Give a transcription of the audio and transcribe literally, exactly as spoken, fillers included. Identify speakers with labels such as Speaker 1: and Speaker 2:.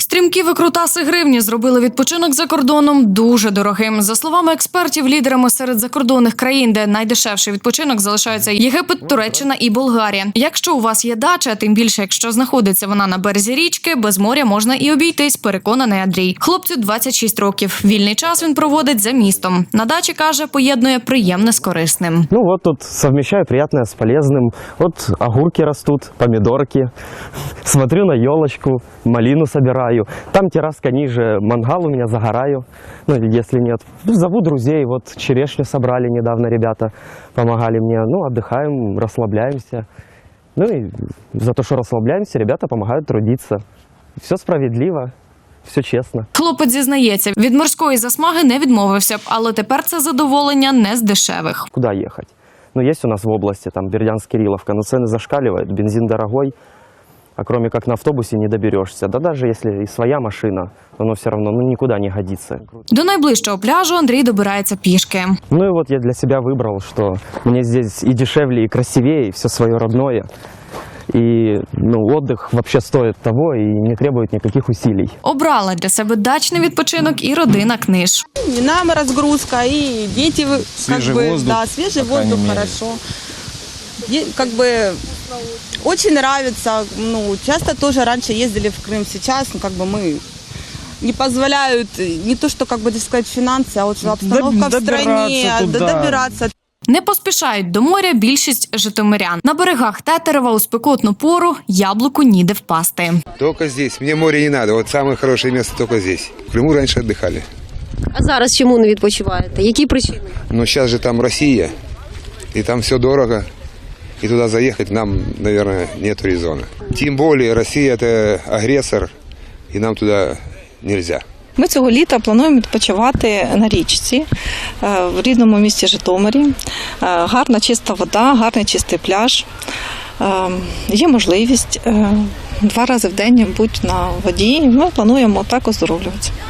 Speaker 1: Стрімкі викрутаси гривні зробили відпочинок за кордоном дуже дорогим. За словами експертів, лідерами серед закордонних країн, де найдешевший відпочинок, залишаються Єгипет, Туреччина і Болгарія. Якщо у вас є дача, тим більше, якщо знаходиться вона на березі річки, без моря можна і обійтись, переконаний Андрій. Хлопцю двадцять шість років. Вільний час він проводить за містом. На дачі, каже, поєднує приємне з корисним.
Speaker 2: Ну вот тут совмещаю приятное с полезным. Вот огурки растут, помидорки. Смотрю на елочку, малину собираю. Там терраска ниже, мангал у меня, загораю. Ну, если нет. Зову друзей. Вот черешню собрали недавно ребята, помогали мне. Ну, отдыхаем, расслабляемся. Ну и за то, что расслабляемся, ребята помогают трудиться. Все справедливо. Все чесно.
Speaker 1: Хлопець зізнається, від морської засмаги не відмовився б, але тепер це задоволення не з дешевих.
Speaker 2: Куда ехать? Ну, есть у нас в области, там, Бердянск-Кирилловка, но цены зашкаливают, бензин дорогой, а кроме как на автобусе не доберешься. Да даже если и своя машина, оно все равно ну, никуда не годится.
Speaker 1: До найближчого пляжу Андрій добирається пішки.
Speaker 2: Ну и вот я для себя выбрал, что мне здесь и дешевле, и красивее, и все свое родное. И ну, отдых вообще стоит того и не требует никаких усилий.
Speaker 1: Обрала для себе дачний відпочинок і родина Книж.
Speaker 3: И нам разгрузка, и дети, как
Speaker 4: Свежий
Speaker 3: бы,
Speaker 4: воздух,
Speaker 3: да, свежий
Speaker 4: по крайней
Speaker 3: воздух,
Speaker 4: мере.
Speaker 3: хорошо. Е- Как бы очень нравится, ну, часто тоже раньше ездили в Крым, сейчас, ну, как бы мы не позволяют, не то, что, как бы, так сказать, финансы, а вот обстановка в стране,
Speaker 4: добираться туда.
Speaker 3: добираться.
Speaker 1: Не поспішають до моря більшість житомирян. На берегах Тетерева у спекотну пору яблуку ніде впасти.
Speaker 5: Только здесь. Мне море не надо. Вот самое хорошее место только здесь. В Крыму раньше отдыхали.
Speaker 6: А зараз чому не відпочиваєте? Які причини?
Speaker 5: Но сейчас же там Россия, и там все дорого. И туда заехать нам, наверное, нет резона. Тем более Россия – это агрессор, и нам туда нельзя.
Speaker 7: Ми цього літа плануємо відпочивати на річці в рідному місті Житомирі. Гарна чиста вода, гарний чистий пляж. Є можливість два рази в день бути на воді. Ми плануємо так оздоровлюватися.